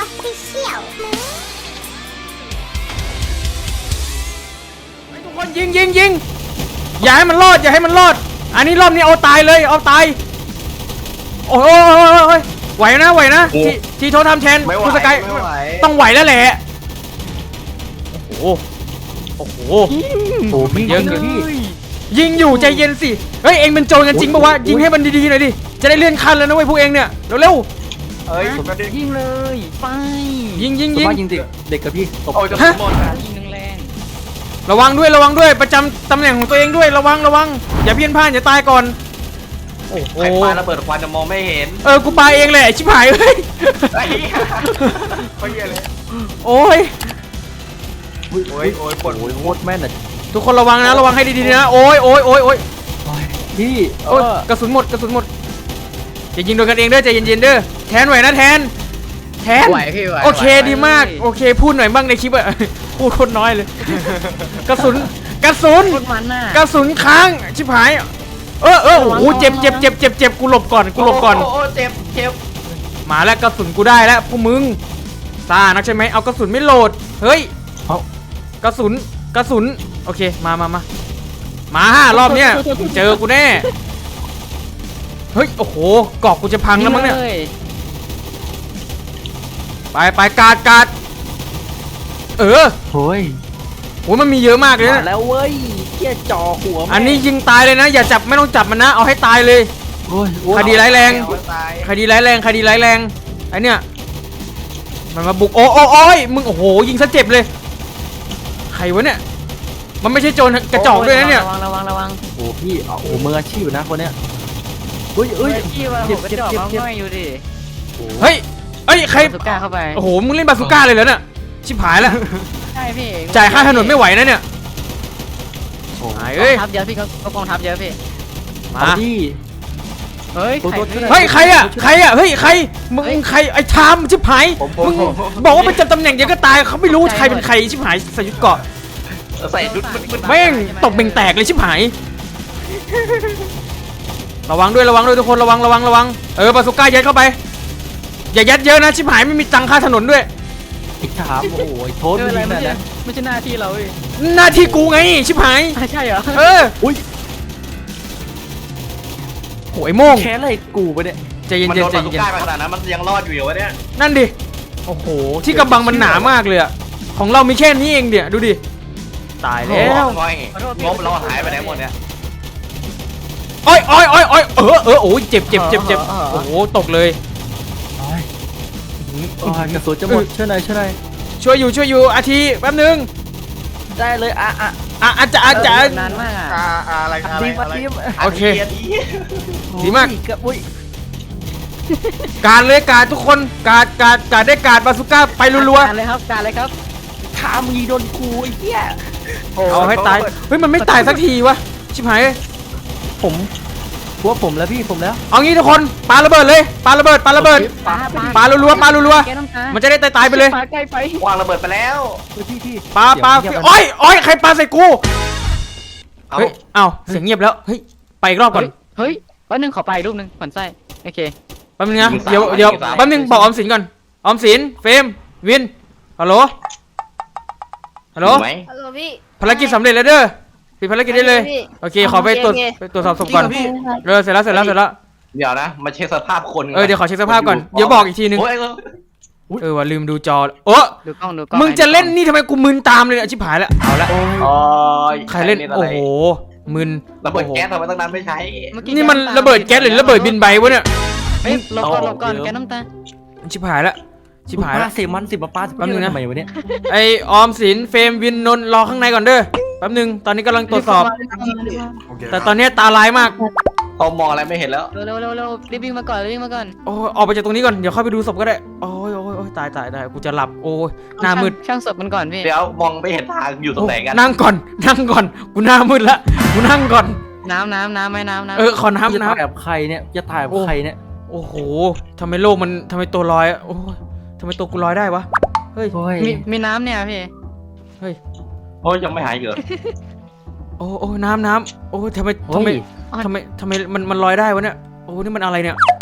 Official ทุกคนยิงอย่าให้มันรอดอันนี้รอบนี้เอาตายเลยเอาตายโอ้ยไหวนะทีโทรทำแทนคุณสกายต้องไหวแล้วแหละโอ้โหเยอะเกินยิงอยู่ใจเย็นสิเฮ้ยเองเป็นโจรกันจริงปะวะยิงให้มันดีๆหน่อยดิจะได้เลื่อนขั้นแล้วนะเว้ยพวกเองเนี่ยเร็วยิงเลยไปยิงเด็กกับพี่ตบฮะยิงแรงระวังด้วยประจำตำแหน่งของตัวเองด้วยระวังอย่าเพี้ยนพลาดอย่าตายก่อนโอ้โหใครปาระเบิดควันจะมองไม่เห็นกูปาเองแหละชิบหายเฮ้ยไอ้เหี้ยเขาเหี้ยเลยโอ้ยโอ้ยปวดโอ้ยโคตรแม่นอ่ะทุกคนระวังให้ดีๆนะโอ้ยพี่โอ้ยกระสุนหมดอย่ายิงโดนกันเองเด้อใจเย็นๆเด้อแทนไหวนะแทนไหวพี่ไหวโอเคดีมากโอเคพูดหน่อยบ้างในคลิปอะ พูดโคตรน้อยเลย กระสุนโคตรมันน่ะกระสุนค้างชิบหายโอ้โหเจ็บกูหลบก่อนโอ้เจ็บมาแล้วกระสุนกูได้แล้วพวกมึงซ่านักใช่ไหมเอากระสุนไม่โหลดเฮ้ยกระสุนโอเคมารอบเนี้ยเจอกูแน่เฮ้ยโอ้โหกอกกูจะพังแล้วมั้งเนี่ยไปกาดโหมันมีเยอะมากเลยนะแล้วเว้ยเกี้ยจ่อหัวอันนี้ยิงตายเลยนะอย่าจับไม่ต้องจับมันนะเอาให้ตายเลยคดีร้ายแรงไอ้เนี่ยมันมาบุกโอ้ยมึงโอ้โหยิงซะเจ็บเลยใครวะเนี่ยมันไม่ใช่โจรกระจอกด้วยนะเนี่ยระวังโอ้พี่โอ้มืออาชีพนะคนเนี้ยเฮ้ยเจ็บอยู่ดิเฮ้ยใครสุก้าเข้าไปโอ้โหมึงเล่นบาซูก้าเลยเหรอเนี่ยชิบหายแล้วใช่พี่จ่ายค่าถนนไม่ไหวนะเนี่ยทับเยอะพี่ก็กองทับเยอะพี่มาเฮ้ยใครอะเฮ้ยใครมึงใครไอ้ชามชิบหายมึงบอกว่าเป็นจับตำแหน่งเดี๋ยวก็ตายเขาไม่รู้ใครเป็นใครชิบหายใส่ชุดเกราะใส่ชุดแม่งตกเบ่งแตกเลยชิบหายระวังด้วยทุกคนระวังบาซูก้ายัดเข้าไปอย่ายัดเยอะนะชิบหายไม่มีตังค่าถนนด้วยไอ้ชามโอ้ยโทษไม่ใช่หน้าที่เราหน้าที่กูไงชิบหายใช่เหรออุ้ยโอ้ยโม่งแค่อะไรกูไปเนี่ยใจเย็นมันโดนบาซูก้าไปขนาดนั้นมันยังรอดอยู่เหรอวะเนี่ยนั่นดิโอ้โหที่กำบังมันหนามากเลยอะของเรามีแค่นี้เองเดี๋ยวดูดิตายแล้วงบเราหายไปไหนหมดเนี่ยโอ้ยโอ้ยเจ็บโอ้โหตกเลยกระสุนจะหมดช่วยหน่อยช่วยอยู่อาทีแป๊บนึงได้เลยอาจารย์นานมากอะไรโอเคดีมากการเลยทุกคนการได้การบาซูก้าไปรัวๆเลยครับการเลยครับทามีโดนกูไอ้เหี้ยเอาให้ตายเฮ้ยมันไม่ตายสักทีวะชิบหายผมแล้วพี่ผมแล้วเอางี้ทุกคนปาระเบิดเลยปาระเบิดปารัวมันจะได้ตายไปเลยวางระเบิดไปแล้วพี่ปาโอ้ยใครปาใส่กูเฮ้ยเอาเสียงเงียบแล้วเฮ้ยไปอีกรอบก่อนเฮ้ยแป๊บนึงขอไปรูปนึงผ่อนไส้โอเคแป๊บนึงนะเดี๋ยวแป๊บนึงบอกออมสินก่อนออมสินเฟรมวินฮัลโหลพี่ภารกิจสำเร็จแล้วเด้อปิดภารกิจได้เลยโอเคขอไปตรวจสอบศพก่อนเสร็จแล้วเดี๋ยวนะมาเช็คสภาพคนเดี๋ยวขอเช็คสภาพก่อนเดี๋ยวบอกอีกทีนึงว่าลืมดูจอโอ้มึงจะเล่นนี่ทำไมกูมึนตามเลยชิบหายแล้วเอาละใครเล่นโอ้โหมึนระเบิดแก๊สทำไมตั้งนานไม่ใช้นี่มันระเบิดแก๊สหรือระเบิดบินใบวะเนี่ยลบก่อนแก๊สน้ำตาชิบหายแล้วเสียมัน10มาป้าแป๊บนึงนะทำไมวะเนี่ยไอออมสินเฟรมวินนนรอข้างในก่อนเด้อแป๊บนึงตอนนี้กำลังตรวจสอบแต่ตอนนี้ตาลายมากเขามองอะไรไม่เห็นแล้วเร็วรีบวิ่งมาก่อนโอ้ออกไปจากตรงนี้ก่อนเดี๋ยวเข้าไปดูศพก็ได้โอ้ยตายกูจะหลับโอ้ยหน้ามืดช่างศพมันก่อนพี่เดี๋ยวมองไม่เห็นทางอยู่ตรงไหนกันนั่งก่อนกูหน้ามืดละกูนั่งก่อนน้ำไม่น้ำขอน้ำจะถ่ายแบบใครเนี่ยจะถ่ายแบบใครเนี่ยโอ้โหทำไมโลกมันทำไมตัวลอยโอ้ยทำไมตัวกูลอยได้วะเฮ้ยมีน้ำเนี่ยพี่เฮ้ยโอ้ยยังไม่หายเหรอโอ้น้ำโอ้ทำไมมันลอยได้วะเนี่ยโอ้นี่มันอะไรเนี่ยโ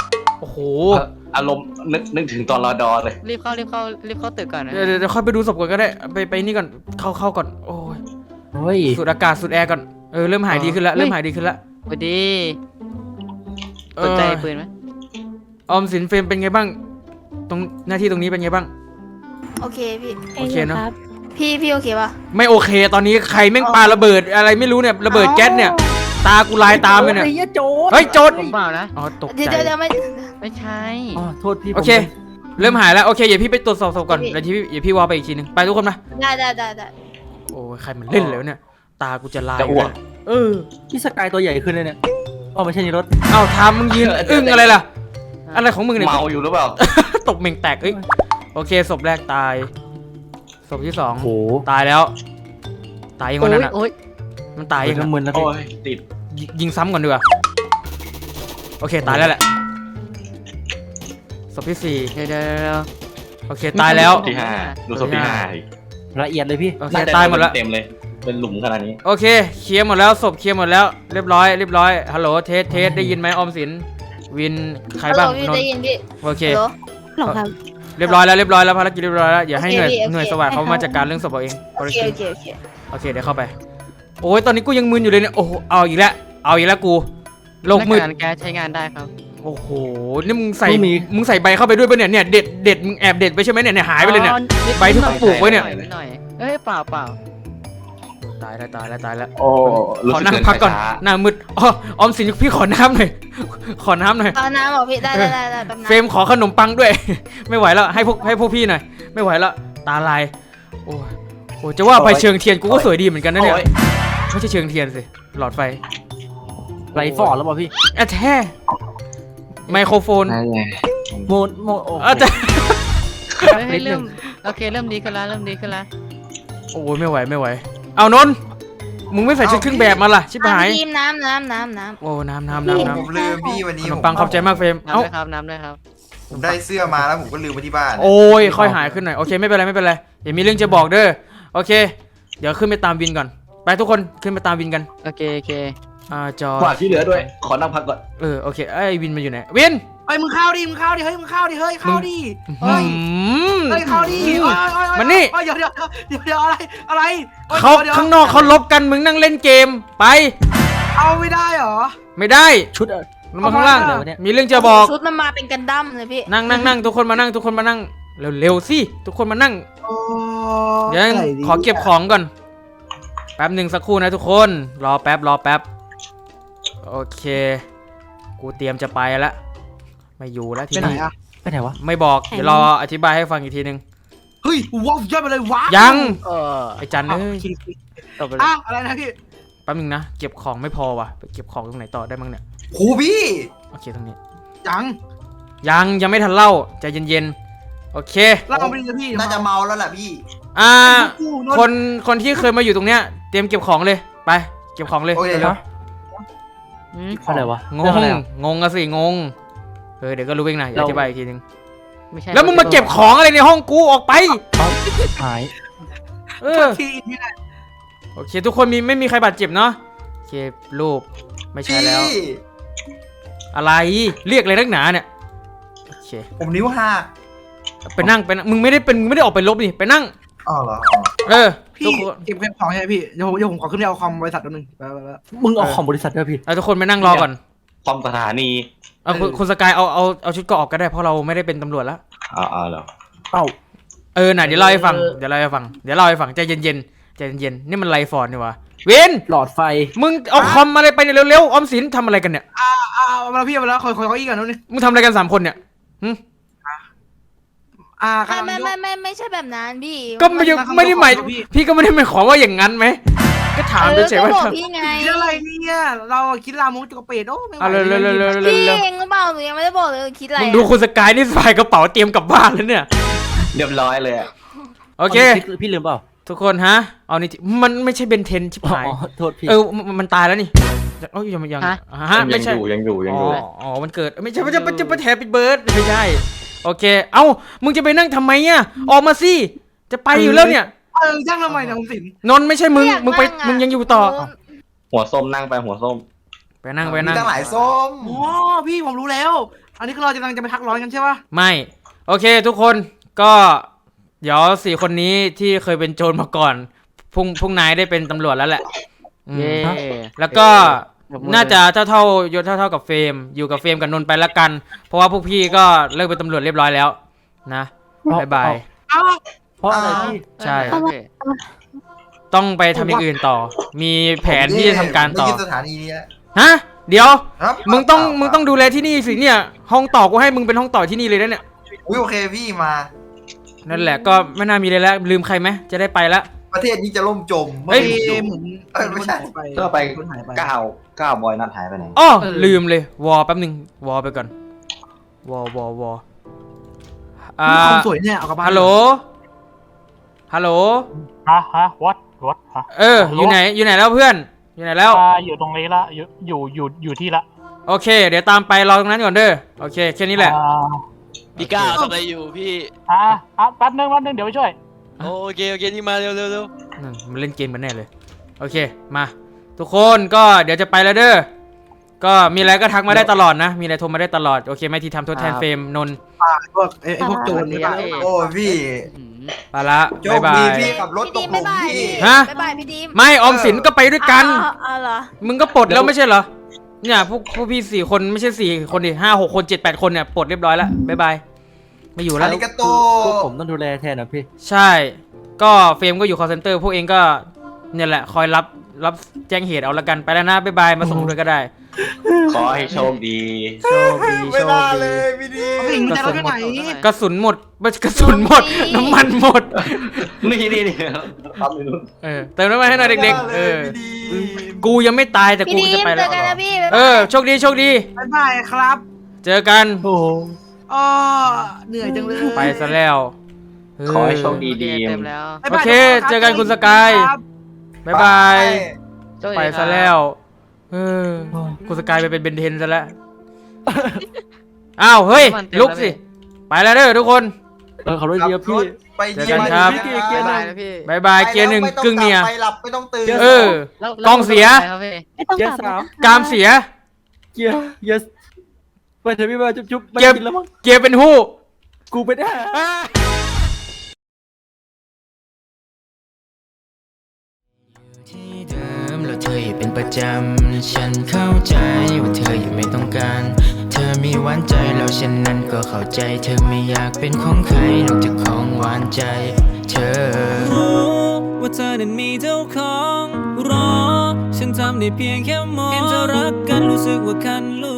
โอ้โหอารมณ์นึกถึงตอนรอดอเลยรีบเข้าตึกก่อนนะเดี๋ยวค่อยไปดูศพก่อนก็ได้ไปนี่ก่อนเข้าก่อนโอ้ยเฮ้ยสูดอากาศสูดแอร์ก่อนเริ่มหายดีขึ้นแล้วเริ่มหายดีขึ้นแล้วพอดีสนใจปืนไหมออมสินเฟรมเป็นไงบ้างตรงหน้าที่ตรงนี้เป็นไงบ้างโอเคพี่โอเคเนอะพี่โอเคปะไม่โอเคตอนนี้ใครแม่งปาระเบิดอะไรไม่รู้เนี่ยระเบิดแก๊สเนี่ยตากูลายตามเลยเนี่ยไอ้เหี้ยโจรเฮ้ยโจรผมเปล่านะอ๋อตกเดี๋ยวใจเดี๋ยวไม่ไม่ใช่อ๋อโทษพี่โอเค เริ่มหายแล้วโอเคอย่าพี่ไปตรวจสอบศพก่อนพี่แล้วเดี๋ยวพี่วอลไปอีกทีนึงไปทุกคนมาได้โอ้ยใครมันเล่นเลยวะเนี่ยตากูจะลายจะอ้วกพี่สกายตัวใหญ่ขึ้นเลยเนี่ยอ๋อไม่ใช่ในรถเอ้าทำมึงยืนอึ้งอะไรล่ะอะไรของมึงเนี่ยเมาอยู่หรือเปล่าตกเหม่งแตกเอ้ยโอเคศพแรกตายศพที่สองโอ้โหตายแล้วตายยังวันนั้นอ่ะโอ๊ยมันตายยังน้ำมึนนะโอ้พี่ยติดยิงซ้ำก่อนดีกว่าโอเคตายแล้วแหละศพที่สี่เดี๋ยวโอเคตายแล้วที่ห้าดูศพที่ห้าอีกละเอียดเลยพี่โอเคน่จะตายหมดแล้วเต็มเลย เป็นหลุมขนาดนี้โอเคเคลียร์หมดแล้วศพเคลียร์หมดแล้วเรียบร้อยฮัลโหลเทสได้ยินไหมออมสินวินใครบ้างพี่นนได้ท์ยินพี่โอเคหรอครับเรียบร้อยแล้วภารกิจเรียบร้อยแล้วอย่าให้หน่วยโอเคพี่หน่วยโอเคสวัสดิ์เขาให้เขามาจัดการเรื่องศพเอาเองโอเคโอเคเดี๋ยวเข้าไปโอ้ยตอนนี้กูยังมึนอยู่เลยเนี่ยโอ้โหเอาอีกแล้วกูโลกมืดแก๊สใช้งานได้ครับโอ้โหนี่มึงใส่ใบเข้าไปด้วยปะเนี่ยเด็ดมึงแอบเด็ดไปใช่ไหมเนี่ยหายไปเลยเนี่ย ใบที่เขาปลูกไว้เนี่ยนิดหน่อยเอ้ยเปล่าตายแล้วโอ้รู้ขอสึกนั่งเดินพักก่อนช้าหน้ามืดอ๋อออมสินพี่ขอน้ำหน่อย ขอน้ำหน่อยเอาน้ำบอกพี่ได้แป๊บนึงเฟรมขอขนมปังด้วย ไม่ไหวแล้วให้พวกพี่หน่อยไม่ไหวแล้วตาลายโอ้จะว่าไปเชิงเทียนกูก็สวยดีเหมือนกันนะเนี่ยโอ้ยไม่ใช่เชิงเทียนสิหลอดไฟไรฟอร์ดแล้วเปล่าพี่แท้ไมโครโฟนโมโอ้โหจะเฮ้ยเริ่มโอเคเริ่มดีขึ้นแล้วโอ้ยไม่ไหวเอานนท์มึงไม่ใส่ชุดเครื่องแบบมาล่ะชิบหายทีมน้ำโอ้น้ำผมลืมพี่วันนี้ขนมปังขอบใจมากเฟรมน้ำเอ้าด้วยครับน้ำด้วยครับผมได้เสื้อมาแล้วผมก็ลืมไว้ที่บ้านโอ้ยค่อยหายขึ้นหน่อยโอเคไม่เป็นไรเดี๋ยวมีเรื่องจะบอกเด้อโอเค เดี๋ยวขึ้นไปตามวินก่อนไปทุกคนขึ้นไปตามวินกันโอเคจอกว่าที่เหลือด้วย ขอนั่งพักก่อนโอเคไอ้วินมันอยู่ไหนวินเฮ้ยมึงเข้าดิเฮ้ยเข้าดิหืเฮ้ยเข้าดิมันนี่เดี๋ยวอะไรเขาข้างนอกเขาลบกันมึงนั่งเล่นเกมไปเอาไม่ได้เหรอไม่ได้ชุดลงมาข้างล่างเอามาเนี่ยมีเรื่องจะบอกชุดมันมาเป็นกันดั้มเลยพี่นั่งทุกคนมานั่งเร็วสิทุกคนมานั่งเดี๋ยวขอเก็บของก่อนแป๊บหนึ่งสักครู่นะทุกคนรอแป๊บโอเคกูเตรียมจะไปแล้วไม่อยู่แล้วทีไปไหนนี้อะไปไหนวะไม่บอกเดี๋ยวรออธิบายให้ฟังอีกทีนึงเฮ้ยว้าวย้อนไปเลยว้ายังเออไอ้จันเอ้ยตบไปเลยอ้าวอะไรนะพี่แป๊บหนึงนะเก็บของไม่พอว่ะไปเก็บของตรงไหนต่อได้บ้างเนี่ยครูพี่โอเคตรงนี้ยังยังไม่ทันเล่าใจเย็นๆโอเคเราเอาไปเลยพี่น่าจะเมาแล้วแหละพี่คนที่เคยมาอยู่ตรงเนี้ยเตรียมเก็บของเลยไปเก็บของเลยโอเคเร็วอะไรวะๆงเรื่องอะไรอะงอะสิงงเดี๋ยวก็รู้เองนะอย่าอธิบายอีกทีนึงไม่ใช่แล้วมึงมาเก็บของอะไรในห้องกูออกไปหายที่นี่แหละโอเคทุกคนไม่มีใครบาดเจ็บเนาะโอเครูปไม่ใช่พี่แล้ว อะไรเรียกอะไรนักหนาเนี่ยโอเคผมนิ้วหักไปนั่งมึงไม่ได้ออกไปลบนี่ไปนั่งอ๋อเหรอพี่ทุกคนเก็บของใช่ไหมพี่เดี๋ยวผมขอขึ้นไปเอาคอมบริษัทแป๊บนึงไปมึงเอาของบริษัทด้วยพี่ทุกคนไปนั่งรอก่อนคอมสถานีคุณสกายเอาชุดเกราะออกก็ได้เพราะเราไม่ได้เป็นตำรวจแล้วเอาเหรอเอ้าน่ะเดี๋ยวเล่าให้ฟังใจเย็นนี่มันไลฟอร์ดนี่วะวินหลอดไฟมึงเอาคอมอะไรไปเนี่ยเร็วๆออมสินทำอะไรกันเนี่ยเอามาแล้วพี่เอามาแล้วคอยเขาอีกกันนู้นนี่มึงทำอะไรกัน3 คนเนี่ยไม่ใช่แบบนั้นพี่ก็ไม่ได้หมายพี่ก็ไม่ได้หมายความว่าอย่างนั้นไหมก็ถามเฉยๆว่าก็บอกพี่ไงคิดอะไรเนี่ยเราคิดลามกจุกเป็ดโอ้ไม่ไหวเอาเร็วพี่เองหรือเปล่าหนูยังไม่ได้บอกเลยคิดอะไรมึงดูคุณสกายนี่สายกระเป๋าเตรียมกลับบ้านแล้วเนี่ยเรียบร้อยเลยอะโอเคพี่ลืมเปล่าทุกคนฮะเอานี่มันไม่ใช่เบนเทนชิบหายอ๋อโทษพี่มันตายแล้วนี่เอ้ยยังฮะไม่ใช่ยังอยู่อ๋อมันเกิดไม่ใช่จะแทบปิดเบิร์ดไม่ใช่โอเคเอ้ามึงจะไปนั่งทำไมอ่ะออกมาสิจะไปอยู่แล้วเนี่ยย่างทำไมเนี่ยผมสินนนท์ไม่ใช่มึงมึงยังอยู่ต่อหัวส้มนั่งไปหัวส้มไปนั่งมีตั้งหลายส้มอ๋อพี่ผมรู้แล้วอันนี้คือเรากำลังจะไปพักร้อนกันใช่ปะไม่โอเคทุกคนก็เดี๋ยว4 คนนี้ที่เคยเป็นโจรมาก่อนพรุ่งนายได้เป็นตำรวจแล้วแหละอืมเย้แล้วก็น่าจะเท่ายศเท่ากับเฟรมอยู่กับเฟรมกับนนท์ไปละกัน เพราะว่าพวกพี่ก็เลิกเป็นตำรวจเรียบร้อยแล้วนะบ๊ายบายอ้าวเพราะอะไรพี่ใช่โอเคต้องไปทำอย่างอื่นต่อ มีแผนที่จะทำการต่อไม่ยึดสถานีนี้แล้วฮะเดี๋ยวครับมึงต้องดูแลที่นี่สิเนี่ยห้องต่อกูให้มึงเป็นห้องต่อที่นี่เลยนะเนี่ยอุ้ยโอเคพี่มานั่นแหละก็ไม่น่ามีเลยแล้วลืมใครไหมจะได้ไปละประเทศนี้จะล่มจมเฮ้ยเมื่อเอ้ยผมอยู่เหมือนไม่ใช่ก็ไปคนหายไปก้าวบอยนัดหายไปไหนอ้อลืมเลยวอแป๊บนึงวอไปก่อนวออ่ามีความสวยเนี่ยเอากลับบ้านฮัลโหลฮัลโหลฮะwhat ฮะเอออยู่ไหนแล้วเพื่อนอยู่ไหนแล้วอยู่ตรงนี้ละอยู่ที่ละโอเค เดี๋ยวตามไปรอตรงนั้นก่อนเด้อโอเคแค่นี้แหละพี่ก้าวทำอะไรอยู่พี่แป๊บนึงเดี๋ยวไปช่วยโอเคนี่มาเร็วนั่นมันเล่นเกมกันแน่เลยโอเคมาทุกคนก็เดี๋ยวจะไปแล้วเด้อก็มีอะไรก็ทักมาได้ตลอดนะ มีอะไรโทรมาได้ตลอดโอเคไหมที่ทำทดแทนเฟรมนนท์พวกไอ้พวกโจรเนี่ยโอ้พี่ไปละโชบ๊ายคบาดียพี่ขับรถตกหลุมพี่ฮะบ๊ายบายพี่ดิมไม่ออมสินก็ไปด้วยกันเอาเหรอมึงก็ปลดแล้วไม่ใช่เหรอเนี่ยพวกพี่4 คนไม่ใช่4 คนดิ5 6 คน7 8 คนเนี่ยปลดเรียบร้อยแล้วบ๊ายบายไม่อยู่อาแล้วริกาโตพวกผมต้องดูแลแทนนะพี่ใช่ ก็เฟรมก็อยู่ call center พวกเองก็เนี่ยแหละคอยรับแจ้งเหตุเอาละกันไปแล้วนะบ๊ายบายมาส่งด้วยก็ได้ขอให้โชคดีโชคดีไม่โชคน่าดีเลยพี่ดีเอาสิ่งที่เราไปไหนกระสุนหมดกระสุนหมดน้ำมันหมดนี่ปั๊มอยู่นู่นเติมน้ำมันให้หน่อยเด็กๆกูยังไม่ตายแต่พี่กูดิจะมไปเจแล้วอกันนะพี่โชคดีโชคดีบ๊ายบายครับเจอกันโอ้โหอ๋อเหนื่อยจังเลยไปซะแล้วขอให้โชคดีโอเคเต็มแล้วบ๊ายโอบายเคทุนรับเจอกันคุณสกายครับบ๊ายบายโชคดีไปคซะรับแล้วคุณสกายไปเป็นเบนเทนซะแล้วอ้าวเฮ้ยลุกสิไปแล้วเด้อทุกคนขับรถเยอะพี่ไปดีเจอกันครับเกียร์บ๊ายหนึ่บาง ยนะพี่บายบายเกียร์หนึ่งกึ่งเนี่ยไปหลับไม่ต้องตื่นเออแล้วกล้องเสียแล้วครับพี่ไม่ต้องเกียกลัร์บสามกรามเสียเกียร์ไปเถอะพี่มาจุ๊บไม่เกียร์กินแล้วมั้งเกียร์เป็นหู้กูไปได้ที่เดิมแล้วเธออย่าเป็นประจำฉันเข้าใจว่าเธอยังไม่ต้องการ เธอมีหวานใจแล้วฉันนั้นก็เข้าใจ เธอไม่อยากเป็นของใครนอกจากของหวานใจ เธอรู้ว่าเธอนั้นมีเจ้าของรอฉันทำได้เพียงแค่มองเห็นเธอรักกันรู้สึกว่าคันลู